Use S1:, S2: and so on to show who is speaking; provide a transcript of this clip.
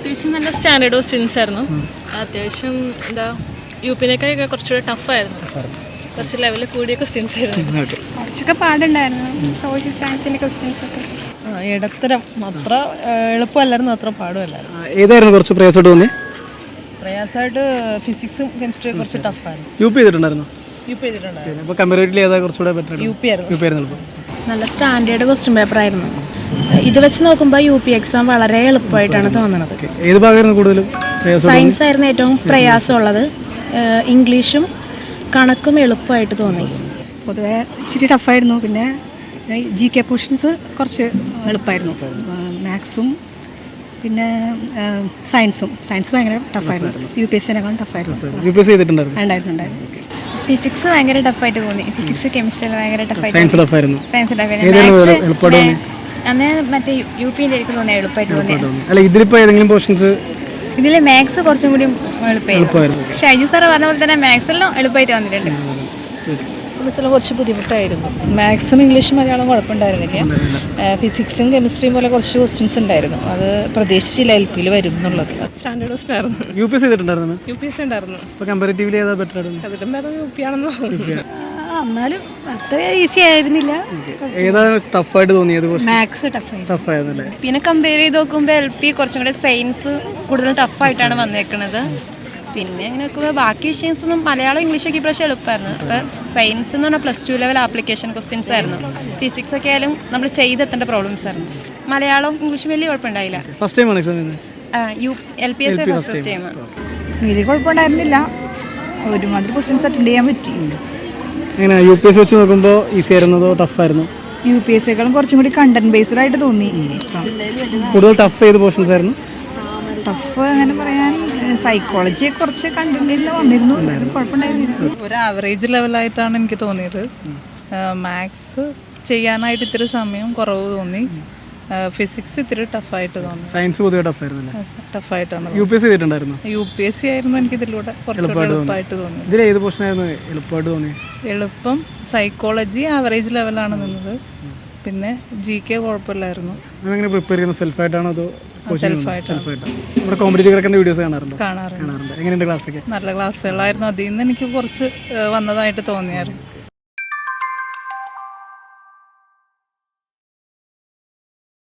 S1: അത്യാവശ്യം നല്ല standard questions ആയിരുന്നു. അത്യാവശ്യം എന്താ യുപിനേക്കാളൊക്കെ കുറച്ചുകൂടെ ടഫായിരുന്നു. കുറച്ച് ലെവലിൽ കൂടിയ ക്വസ്റ്റ്യൻസ് ആയിരുന്നു.
S2: കുറച്ചൊക്കെ പാടുണ്ടായിരുന്നു സോഷ്യൽ സയൻസിൻ്റെ ക്വസ്റ്റ്യൻസ് ഒക്കെ.
S3: ഇടത്തരം, അത്ര എളുപ്പമല്ലായിരുന്നു, അത്ര പാടുമല്ലായിരുന്നു.
S4: ഏതായിരുന്നു കുറച്ച് പ്രയാസമായിട്ട് തോന്നി?
S3: പ്രയാസമായിട്ട് ഫിസിക്സും കെമിസ്ട്രിയും കുറച്ച് ടഫായിരുന്നു.
S4: യു പി ചെയ്തിട്ടുണ്ടായിരുന്നു.
S3: യു പി ചെയ്തിട്ടുണ്ടായിരുന്നു.
S4: അപ്പോൾ കമ്പാരിറ്റീവ്ലി ഏതാ കുറച്ചുകൂടെ ബെറ്റർ?
S3: യു പി ആയിരുന്നു.
S4: യു പി ആയിരുന്നു.
S5: നല്ല സ്റ്റാൻഡേർഡ് ക്വസ്റ്റ്യൻ പേപ്പർ ആയിരുന്നു. ഇത് വെച്ച് നോക്കുമ്പോൾ യു പി എക്സാം വളരെ എളുപ്പമായിട്ടാണ് തോന്നുന്നത്.
S4: ഏത് ഭാഗമായിരുന്നു കൂടുതലും?
S5: സയൻസ് ആയിരുന്നു ഏറ്റവും പ്രയാസമുള്ളത്. ഇംഗ്ലീഷും കണക്കും എളുപ്പമായിട്ട് തോന്നി.
S2: പൊതുവെ ഇച്ചിരി ടഫായിരുന്നു. പിന്നെ ജി കെ പോർഷൻസ് കുറച്ച് എളുപ്പമായിരുന്നു. മാത്സും പിന്നെ സയൻസ് ഭയങ്കര ടഫായിരുന്നു. യു പി എസ് സിനേക്കാളും ടഫായിരുന്നു.
S4: യു പി എസ് ചെയ്തിട്ടുണ്ടായിരുന്നു.
S2: ഉണ്ടായിരുന്നു.
S6: ഫിസിക്സ് ഭയങ്കര ടഫായിട്ട് തോന്നി. ഫിസിക്സ് കെമിസ്ട്രി ഭയങ്കര
S4: സയൻസ് ടഫായിരുന്നു.
S6: ടഫായിരുന്നു. അന്ന് മറ്റേ യു പിന്റെ എനിക്ക് തോന്നി എളുപ്പമായിട്ട് തോന്നി.
S4: അല്ല, ഇതിലിപ്പോ ഏതെങ്കിലും പോർഷൻസ്
S6: ഇതിലെ മാത്സ് കുറച്ചും കൂടി എളുപ്പമായിരുന്നു. ഷൈജു സാറ് പറഞ്ഞ പോലെ തന്നെ മാത്സെല്ലാം എളുപ്പമായിട്ട് വന്നിട്ടുണ്ട്.
S7: ഫിസിക്സിലും കുറച്ച് ബുദ്ധിമുട്ടായിരുന്നു. മാത്സും ഇംഗ്ലീഷും മലയാളം കുഴപ്പമുണ്ടായിരുന്നില്ല. ഫിസിക്സും കെമിസ്ട്രിയും പോലെ കുറച്ച് ക്വസ്റ്റ്യൻസ് ഉണ്ടായിരുന്നു. അത് പ്രതീക്ഷിച്ചില്ല എൽ പിയിൽ വരും എന്നുള്ളത്.
S1: സ്റ്റാൻഡേർഡ് ക്വസ്റ്റ്യൻ ആയിരുന്നു.
S4: യു പി എസ് ചെയ്തിട്ടുണ്ടായിരുന്നു.
S1: യു പി എസ് ഉണ്ടായിരുന്നു.
S4: അപ്പോൾ കമ്പാരിറ്റീവ്ലി ഏതാ ബെറ്റർ ആയിരുന്നു?
S1: അതിലും ഭേദം യു പി ആണെന്ന് തോന്നുന്നു.
S2: എന്നാലും അത്ര ഈസി ആയിരുന്നില്ല.
S4: ഏതാണ് ടഫായിട്ട് തോന്നിയത്?
S2: മാത്സ്
S4: ടഫായിരുന്നല്ലേ?
S6: പിന്നെ കമ്പയർ ചെയ്ത് നോക്കുമ്പോൾ എൽ പി കുറച്ചും കൂടെ സയൻസ് കൂടുതൽ ടഫായിട്ടാണ് വന്നേക്കുന്നത്. പിന്നെ അങ്ങനെ നോക്കുമ്പോൾ ബാക്കി വിഷയൻസ് ഒന്നും മലയാളം ഇംഗ്ലീഷൊക്കെ ഇപ്രാവശ്യം എളുപ്പമായിരുന്നു. അപ്പോൾ സയൻസ് എന്ന് പറഞ്ഞാൽ +2 ലെവൽ ആപ്ലിക്കേഷൻ ക്വസ്റ്റ്യൻസ് ആയിരുന്നു. ഫിസിക്സ് ഒക്കെ ആയാലും നമ്മൾ ചെയ്തെത്തേണ്ട പ്രോബ്ലംസ് ആയിരുന്നു. മലയാളം ഇംഗ്ലീഷും വലിയ കുഴപ്പമുണ്ടായില്ല.
S4: ഫസ്റ്റ് ടൈം ആണ് എക്സാം ചെയ്യുന്നത്?
S6: LPS first time.
S2: വലിയ കുഴപ്പമുണ്ടായിരുന്നില്ല. ഒരുമാതിരി ക്വസ്റ്റ്യൻസ് അറ്റൻഡ് ചെയ്യാൻ പറ്റി.
S4: എങ്ങനെ യു പി എസ് വെച്ച് നോക്കുമ്പോൾ ഈസി ആയിരുന്നതോ ടഫായിരുന്നു?
S2: യു പി എസ് സിയേക്കാളും കുറച്ചും കൂടി കണ്ടന്റ് ബേസ്ഡ് ആയിട്ട് തോന്നി.
S4: കൂടുതൽ ടഫ് ചെയ്ത പോർഷൻസ് ആയിരുന്നു?
S2: ടഫ് അങ്ങനെ പറയാൻ സൈക്കോളജി കുറച്ച് കണ്ടന്റ് വന്നിരുന്നു. കുഴപ്പമുണ്ടായിരുന്നില്ല.
S7: ഒരു ആവറേജ് ലെവലായിട്ടാണ് എനിക്ക് തോന്നിയത്. മാത്സ് ചെയ്യാനായിട്ട് ഇത്തിരി സമയം കുറവ് തോന്നി. ഫിസിക്സ് ഇത്തിരി ടഫായിട്ട് തോന്നി.
S4: സയൻസ് പൊതുവെ ടഫായിരുന്നു.
S7: ടഫായിട്ടാണ്.
S4: യു പി എസ് ചെയ്തിട്ടുണ്ടായിരുന്നു.
S7: യു പി എസ് സി ആയിരുന്നു എനിക്ക് ഇതിലൂടെ കുറച്ചുകൂടെ എളുപ്പമായിട്ട് തോന്നി.
S4: ഇതിൽ ഏത് പോർഷൻ ആയിരുന്നു എളുപ്പമായിട്ട് തോന്നി?
S7: എളുപ്പം സൈക്കോളജി ആവറേജ് ലെവലാണ് നിന്നത്. പിന്നെ ജി കെ കുഴപ്പമില്ലായിരുന്നു.
S4: അതെങ്ങനെ പ്രിപ്പയർ ചെയ്യുന്നത്? സെൽഫായിട്ടാണോ അതോ
S7: സെൽഫായിട്ടാണ്.
S4: നമ്മുടെ കോമ്പറ്റീറ്റീവ് കിടക്കേണ്ട വീഡിയോസ് കാണാറുണ്ട്?
S7: കാണാറുണ്ട്.
S4: എങ്ങനെയുണ്ട് ക്ലാസ്സൊക്കെ?
S7: നല്ല ക്ലാസ്സുകളായിരുന്നു. അതിൽ നിന്ന് എനിക്ക് കുറച്ച് വന്നതായിട്ട് തോന്നിയായിരുന്നു.